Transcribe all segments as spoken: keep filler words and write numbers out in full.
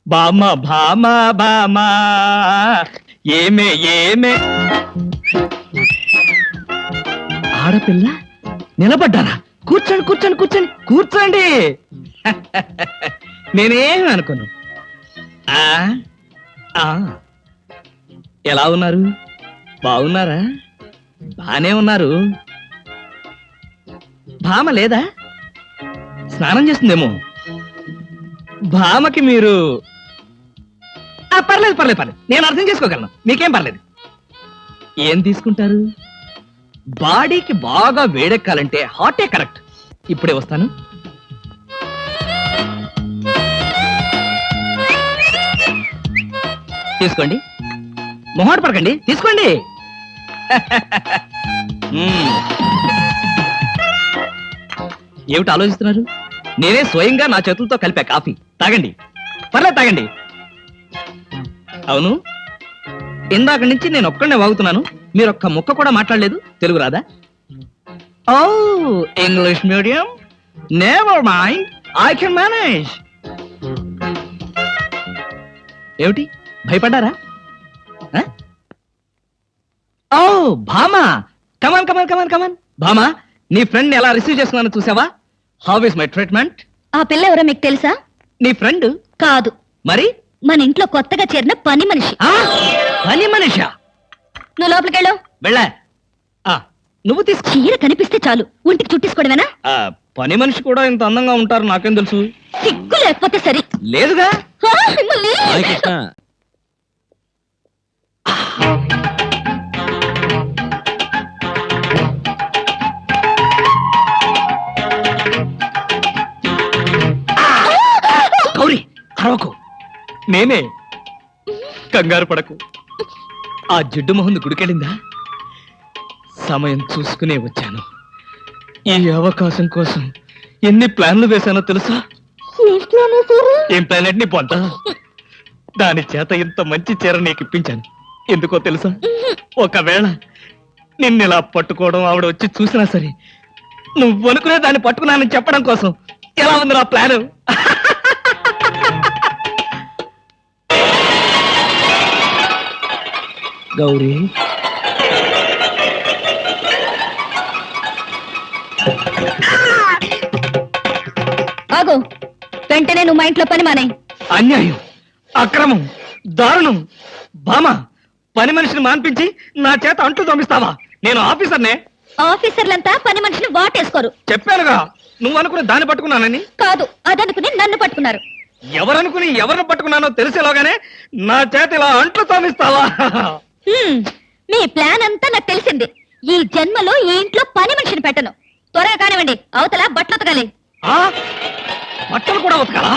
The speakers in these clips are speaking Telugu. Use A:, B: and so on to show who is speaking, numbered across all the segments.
A: బామ భామ బామ ఏమే ఏమే ఆడపిల్ల నిలబడ్డారా? కూర్చోండి కూర్చోండి కూర్చోండి కూర్చోండి. నేనేం అనుకోను. ఆ ఆ ఎలా ఉన్నారు? బాగున్నారా? బానే ఉన్నారు. భామ లేదా? స్నానం చేస్తుందేమో. భామకి మీరు ఆ, పర్లేదు పర్లేదు పర్లేదు, నేను అర్థం చేసుకోగలను, మీకేం పర్లేదు. ఏం తీసుకుంటారు? బాడీకి బాగా వేడెక్కాలంటే హాటే కరెక్ట్. ఇప్పుడే వస్తాను. తీసుకోండి, మొహాట పడకండి, తీసుకోండి. మ్మ్. ఏమిటి ఆలోచిస్తున్నారు? నేనే స్వయంగా నా చేతులతో కలిపా కాఫీ. తాగండి, పర్లేదు తాగండి. అవును, ఇందాక నుంచి నేను ఒక్కడనే వాగుతున్నాను, మీరు ఒక్క ముక్క కూడా మాట్లాడలేదు. తెలుగు రాదా? ఓ English medium, never mind, I can manage. ఏమిటి భయపడ్డారా? ఆ? ఓ భామా, కమాన్ కమాన్ కమాన్ కమాన్. భామా, నీ ఫ్రెండ్ ఎలా రిసీవ్ చేస్తున్నానో చూసావా? How is my treatment?
B: ఆ పిల్ల ఎవరో మీకు తెలుసా?
A: నీ ఫ్రెండ్
B: కాదు,
A: మరి
B: మన ఇంట్లో కొత్తగా చేరిన పని మనిషి.
A: ఆ? పని మనిషా?
B: నువ్వు లోపలికెళ్ళు.
A: వెళ్ళా. ఆ, నువ్వు తీసుకో.
B: చీర కనిపిస్తే చాలు ఒంటికి చుట్టేసుకోవడమేనా?
A: ఆ, పని మనిషి కూడా ఇంత అందంగా ఉంటారు నాకేం తెలుసు?
B: సిగ్గు లేకపోతే సరి.
A: లేదుగా.
B: ఆ, మిమ్మల్ని.
A: గౌరీ అరవకు, నేనే. కంగారు పడకు. ఆ జిడ్డు మొహంది గుడికెళ్ళిందా? సమయం చూసుకునే వచ్చాను. ఈ అవకాశం కోసం ఎన్ని ప్లాన్లు వేశానో తెలుసా? ఏం ప్లాన్ అంటే నీ పొంట. దాని చేత ఇంత మంచి చీర నీకు ఇప్పించాను. ఎందుకో తెలుసా? ఒకవేళ నిన్నిలా పట్టుకోవడం ఆవిడ వచ్చి చూసినా సరే, నువ్వు అనుకునే దాన్ని పట్టుకున్నానని చెప్పడం కోసం. ఎలా ఉంది నా ప్లాను? గౌరీ,
B: ఆగు, వెంటనే నువ్వు మా ఇంట్లో పని మానే.
A: అన్యాయం, అక్రమం, దారుణం. భామ, పని మనిషిని మాన్పించి నా చేత అంటూ దొమిస్తావా? నేను ఆఫీసర్నే.
B: ఆఫీసర్లంతా పని మనిషిని వాటేసుకోరు.
A: చెప్పానుగా, నువ్వు అనుకుని దాన్ని పట్టుకున్నానని.
B: కాదు, అదనుకుని నన్ను పట్టుకున్నారు.
A: ఎవరనుకుని ఎవరిని పట్టుకున్నానో తెలిసేలాగానే నా చేత ఇలా అంట్లు తోమిస్తావా?
B: హ్మ్, మీ ప్లాన్ అంతా నాకు తెలిసింది. ఈ జన్మలో ఈ ఇంట్లో పని మనిషిని పెట్టను. త్వరగా కానివ్వండి, అవతల బట్టలు ఉతకాలి.
A: ఆ? బట్టలు కూడా ఉతకాలా?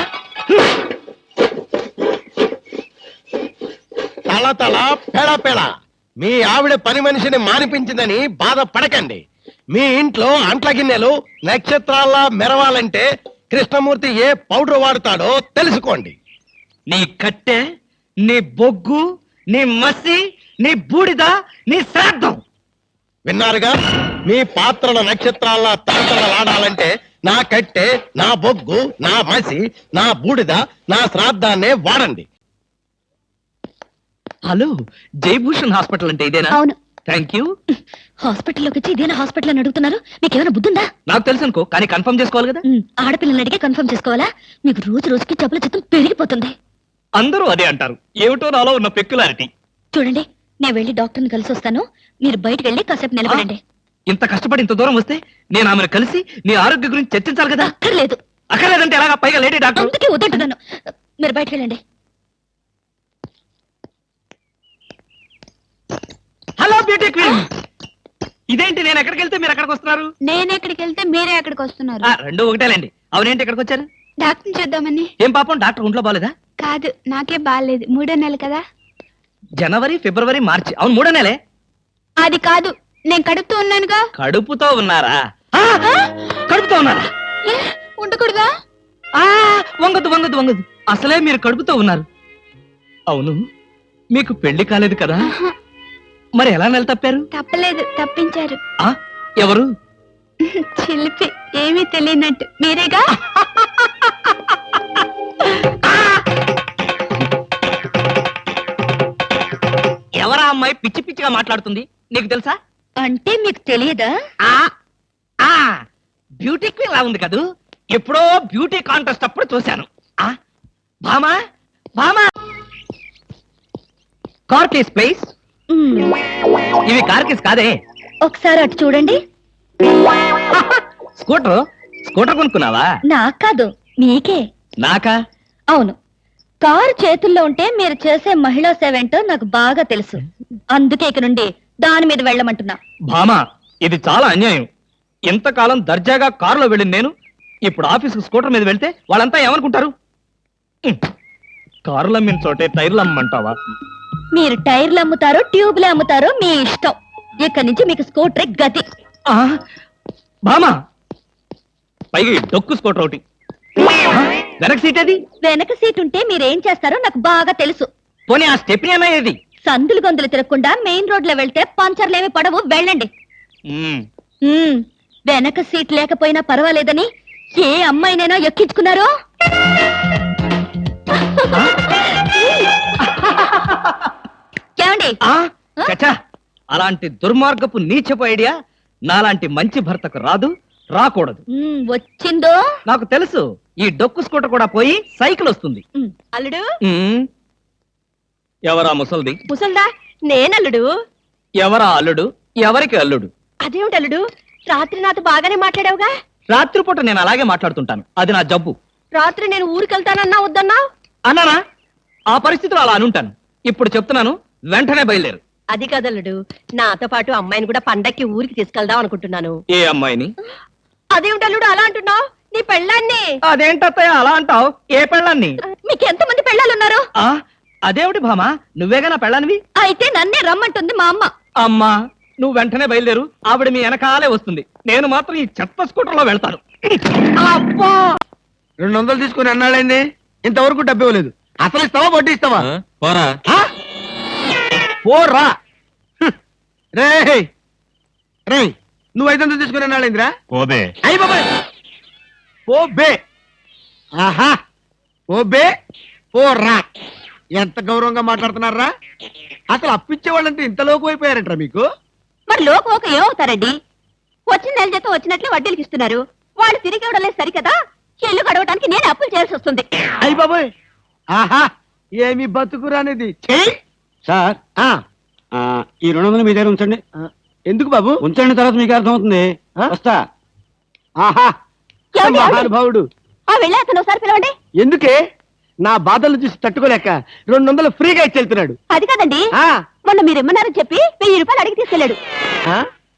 C: తల తల పెడ పెడ మీ ఆవిడ పని మనిషిని మానిపించిందని బాధపడకండి. మీ ఇంట్లో అంట్ల గిన్నెలు నక్షత్రాల్లా మెరవాలంటే కృష్ణమూర్తి ఏ పౌడర్ వాడతాడో తెలుసుకోండి.
A: నీ కట్టె, నీ బొగ్గు, నీ మసి, నీ బూడిద, నీ శ్రాద్ధం.
C: విన్నారుగా? మీ పాత్రల నక్షత్రాల్లా తలతలలాడాలంటే నా కట్టె, నా బొగ్గు, నా మసి, నా బూడిద, నా శ్రాద్ధాన్నే వాడండి.
A: హలో, జయభూషణ్ హాస్పిటల్ అంటే ఇదేనా?
B: అవును.
A: Thank you.
B: హాస్పిటల్లోకి వచ్చి ఇదేనా హాస్పిటల్ అని అడుగుతున్నారు? మీకేమైనా బుద్ధుందా?
A: నాకు తెలుసు అనుకో, కానీ కన్ఫర్మ్ చేసుకోవాలి కదా.
B: ఉమ్, ఆడపిల్లల్ని అడిగే కన్ఫర్మ్ చేసుకోవాలా? మీకు రోజు రోజుకి జబ్బుల చిత్తం పెరిగిపోతుంది.
A: అందరూ అదే అంటారు. ఏమిటో నాలో ఉన్న పెక్యులారిటీ.
B: చూడండి, నేను వెళ్ళి డాక్టర్ని కలిసి వస్తాను. మీరు బయటకు వెళ్ళి కాసేపు నిలబడండి.
A: ఇంత కష్టపడి ఇంత దూరం వస్తే నేను ఆమెను కలిసి నీ ఆరోగ్య గురించి చర్చించాలి కదా.
B: అక్కర్లేదు.
A: అక్కర్లేదంటే ఎలాగా? పైగా లేడీ డాక్టర్.
B: అందుకే వద్దంటున్నాను. మీరు బయటకు వెళ్ళండి.
A: హలో బ్యూటీ క్వీన్, ఇదేంటి నేను ఎక్కడికి వెళ్తే మీరు ఎక్కడికి వస్తున్నారు?
D: నేను ఎక్కడికి వెళ్తే మీరే ఎక్కడికి వస్తున్నారు?
A: ఆ, రెండు ఒకటేలేండి. అవునేంటి ఎక్కడికి వచ్చారు?
D: డాక్టర్ చూద్దామని.
A: ఏం పాపం, డాక్టర్ ఒంట్లో బాలేదా?
D: కాదు, నాకే బాగాలేదు. మూడో నెల కదా.
A: జనవరి, ఫిబ్రవరి, మార్చి. అవును, మూడో నెలే.
D: అది కాదు, నేను కడుపుతూ ఉన్నానుగా.
A: కడుపుతో ఉన్నారా? ఆ, కడుపుతో ఉన్నారా?
D: ఏ, ఉండకూడదా?
A: ఆ, వంగదు వంగదు వంగదు. అసలే మీరు కడుపుతో ఉన్నారు. అవును, మీకు పెళ్లి కాలేదు కదా?
D: ఆహా,
A: మరి ఎలా నెల తప్పారు?
D: తప్పలేదు, తప్పించారు.
A: ఆ, ఎవరు?
D: చిలిపి, ఏమీ తెలియనట్టు. మీరేగా.
A: అమ్మాయి పిచ్చి పిచ్చిగా మాట్లాడుతుంది నీకు తెలుసా?
B: అంటే మీకు తెలియదా?
A: ఆ ఆ బ్యూటీ క్వీన్ లా ఉంది కదూ. ఎప్పుడో బ్యూటీ కాంటెస్ట్ అప్పుడు చూశాను. ఆ భామా భామా కార్ కేస్ ప్లీజ్.
B: మ్మ్.
A: ఇవి కార్ కేస్ కాదే.
B: ఒకసారి అటు చూడండి.
A: స్కూటర్ స్కూటర్ కొనుక్కున్నావా?
B: నాకు కాదు, మీకే.
A: నాకా?
B: అవును, కారు చేతుల్లో ఉంటే మీరు చేసే మహిళా సేవ ఏంటో నాకు బాగా తెలుసు. అందుకే ఇక నుండి దాని మీద వెళ్ళమంటున్నా.
A: భామా ఇది చాలా అన్యాయం. ఎంతకాలం దర్జాగా కారులో వెళ్ళింది నేను ఇప్పుడు ఆఫీస్కి స్కూటర్ మీద వెళ్తే వాళ్ళంతా ఏమనుకుంటారు? ఉమ్. కారులు అమ్మిన చోటే టైర్లు అమ్మంటావా?
B: మీరు టైర్లు అమ్ముతారో ట్యూబ్లు అమ్ముతారో మీ ఇష్టం. ఇక్కడి నుంచి మీకు స్కూటర్ గతి.
A: ఆ, భామా పైగా ఈ డొక్కు స్కూటర్ ఒకటి. ఆ, వెనక సీట్ ఏది?
B: వెనక సీట్ ఉంటే మీరేం చేస్తారో నాకు బాగా తెలుసు.
A: పోనీ ఆ స్టెప్ని ఏమయ్యేది?
B: సందులు గొంతులు తిరగకుండా మెయిన్ రోడ్ లో వెళ్తే పంచర్లేమి పడవు, వెళ్ళండి.
A: ఉమ్.
B: మ్మ్. వెనక సీట్ లేకపోయినా పర్వాలేదని ఏ అమ్మాయినైనా ఎక్కించుకున్నారో? ఏమండి?
A: ఆ, చచ్చా, అలాంటి దుర్మార్గపు నీచపు ఐడియా నాలాంటి మంచి భర్తకు రాదు, రాకూడదు.
B: మ్మ్, వచ్చిందో?
A: నాకు తెలుసు. ఈ డొక్కు స్కూటర్ కూడా పోయి సైకిల్ వస్తుంది.
B: మ్మ్. అల్లుడు
A: ఉమ్. ఎవరా ముసల్ది?
B: ముసల్దా? నేనల్లుడు.
A: ఎవరా అల్లుడు? ఎవరికి అల్లుడు?
B: అదేమిటి అల్లుడు, రాత్రి నాతో బాగానే మాట్లాడావుగా?
A: రాత్రిపూట నేను అలాగే మాట్లాడుతుంటాను, అది నా జబ్బు.
B: రాత్రి నేను ఊరికెళ్తానన్నా వద్దన్నా?
A: అన్నానా? ఆ పరిస్థితిలో అలా అనుంటాను. ఇప్పుడు చెప్తున్నాను, వెంటనే బయలుదేరు.
E: అది కదల్లుడు, నాతో పాటు అమ్మాయిని కూడా పండక్కి ఊరికి తీసుకెళ్దాం అనుకుంటున్నాను.
A: ఏ అమ్మాయిని?
E: అదేమిటల్లుడు అలా అంటున్నావు? నీ పెళ్ళాన్ని.
A: అదేంటత్తయ్య అలా అంటావు? ఏ పెళ్ళాన్ని?
B: మీకు ఎంతమంది పెళ్ళాలున్నారు?
A: ఆ అదేమిటి భామా, నువ్వేగా నా పెళ్ళానివి?
B: అయితే నన్నే రమ్మంటుంది మా అమ్మ.
A: అమ్మా నువ్వు వెంటనే బయలుదేరు, ఆవిడ మీ వెనకాలే వస్తుంది. నేను మాత్రం ఈ చెత్త స్కూటర్ లో వెళ్తాను.
C: అబ్బా రెండు వందలు తీసుకుని అన్నాడండి, ఇంతవరకు డబ్బు ఇవ్వలేదు. అసలు ఇస్తావా వడ్డీ ఇస్తావా?
A: పోరా.
C: ఆ? పోరా హ్మ్. రేయ్ రేయ్ నువ్వు ఐదు వందలు తీసుకుని అన్నాడేందిరా?
A: పోబే.
C: అయ్యి బాబాయ్ పో బే. ఆహా ఓ బే పోరా. ఎంత గౌరవంగా మాట్లాడుతున్నారా? అసలు అప్పిచ్చే వాళ్ళంటే ఇంత లోకు అయిపోయారంటారా మీకు?
B: మరి లోకం ఒక ఏమవుతారండి? వచ్చిన నెల జీతం వచ్చినట్లే వడ్డీలకి ఇస్తున్నారు. వాళ్ళు తిరిగి ఇవ్వడం లేదు సరికదా, ఇల్లు గడవడానికి నేను అప్పులు చేయాల్సి వస్తుంది.
C: అయ్యి బాబాయ్ ఆహా ఏమి బతుకురానిది. చెయ్యి
F: సార్
C: ఆ,
F: ఆ, ఈ రెండు వందలు మీ దగ్గర ఉంచండి.
C: ఆ, ఎందుకు బాబు?
F: ఉంచండి, తర్వాత మీకు అర్థమవుతుంది.
C: ఆ?
F: వస్తా.
C: ఆహా
B: ఏమండి, ఏమండి?
C: మహానుభావుడు.
B: ఆ వెళ్ళే అతను ఒకసారి పిలవండి.
C: ఎందుకే? నా బాధలు చూసి తట్టుకోలేక రెండు వందలు ఫ్రీగా ఇచ్చి వెళ్తున్నాడు.
B: అది కాదండి,
C: ఆ,
B: మొన్న మీరు ఇమ్మన్నారని చెప్పి వెయ్యి రూపాయలు అడిగి తీసుకెళ్ళాడు.
C: ఆ?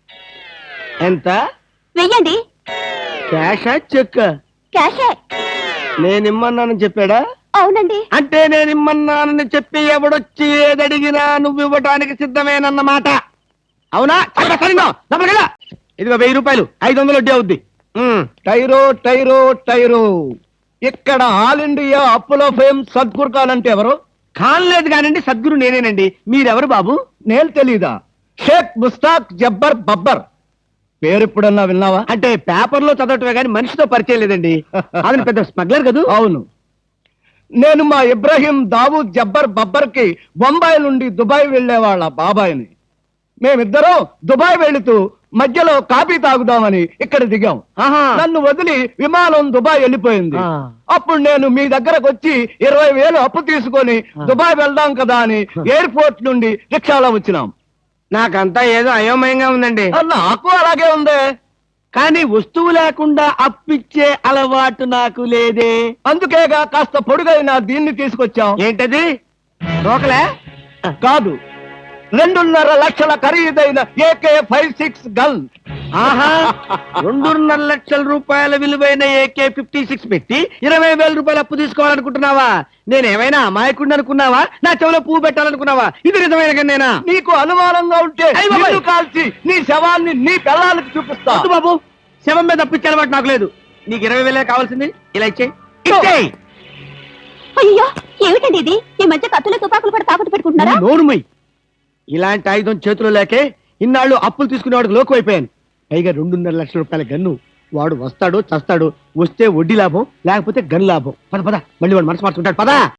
C: ఎంత?
B: వెయ్యండి.
C: క్యాషా చెక్?
B: క్యాషే.
C: నేను ఇమ్మన్నానని చెప్పాడా?
B: అవునండి.
C: అంటే నేను ఇమ్మన్నానని చెప్పి ఎవడొచ్చి ఏదడిగినా నువ్వు ఇవ్వటానికి సిద్ధమేనన్నమాట. అవునా? చాలా సరిగ్గా. లోపలికి రా. ఇదిగో వెయ్యి రూపాయలు, ఐదు వందలు వడ్డీ అవుద్ది. ఉమ్, టైరో టైరో టైరో. ఇక్కడ ఆల్ ఇండియా అప్పులో ఫేమ్ సద్గురు ఖాన్ అంటే ఎవరు? ఖాన్ లేదు కానండి, సద్గురు నేనేనండి. మీరెవరు బాబు? నేను తెలీదా? షేక్ ముస్తాక్ జబ్బర్ బబ్బర్. పేరు ఎప్పుడన్నా విన్నావా? అంటే పేపర్ లో చదవటమే కానీ మనిషితో పరిచయం లేదండి. అతను పెద్ద స్మగ్లర్ కదూ? అవును. నేను మా ఇబ్రాహీం దావూద్ జబ్బర్ బబ్బర్ కి బొంబాయి నుండి దుబాయ్ వెళ్లే వాళ్ళ బాబాయిని. మేమిద్దరం దుబాయ్ వెళుతూ మధ్యలో కాఫీ తాగుదామని ఇక్కడ దిగాం. నన్ను వదిలి విమానం దుబాయ్ వెళ్ళిపోయింది. అప్పుడు నేను మీ దగ్గరకు వచ్చి ఇరవై వేలు అప్పు తీసుకొని దుబాయ్ వెళ్దాం కదా అని ఎయిర్పోర్ట్ నుండి రిక్షాలో వచ్చినాం. నాకంతా ఏదో అయోమయంగా ఉందండి. నాకు అలాగే ఉంది. కానీ వస్తువు లేకుండా అప్పిచ్చే అలవాటు నాకు లేదే. అందుకేగా కాస్త పొడుగైన దీన్ని తీసుకొచ్చాం. ఏంటది? రోకలే కాదు, రెండున్నర లక్షల ఖరీదైన ఏకే ఫైవ్ సిక్స్ గన్. ఆహా, రెండున్నర లక్షల రూపాయల విలువైన ఏకే ఫిఫ్టీ సిక్స్ పెట్టి ఇరవై వేల రూపాయలు అప్పు తీసుకోవాలనుకుంటున్నావా? నేనేమైనా అమాయకుడిని అనుకున్నావా? నా చెవిలో పువ్వు పెట్టాలనుకున్నావా? ఇది నిజమైన గన్నేనా? నీకు అనుమానంగా ఉంటే నిన్ను కాల్చి నీ శవాన్ని నీ పిల్లలకి చూపిస్తా. వద్దు బాబు, శవం మీద అప్పిచ్చే అలవాటు నాకు లేదు. నీకు ఇరవై వేలే కావాల్సింది, ఇలా ఇచ్చేయి. ఇచ్చేయి.
B: అయ్యో ఏమిటండి ఇది? ఈ మధ్య కత్తులు తుపాకులు కూడా తాకట్టు పెట్టుకుంటున్నారా?
C: నోరుమై. ఇలాంటి ఆయుధం చేతిలో లేకే ఇన్నాళ్ళు అప్పులు తీసుకునేవాడికి లోకు అయిపోయాను. పైగా రెండున్నర లక్షల రూపాయల గన్ను. వాడు వస్తాడు చస్తాడు, వస్తే వడ్డీ లాభం, లేకపోతే గన్ లాభం. పద పద, మళ్ళీ వాడు మనసు మార్చుకుంటాడు. పదా.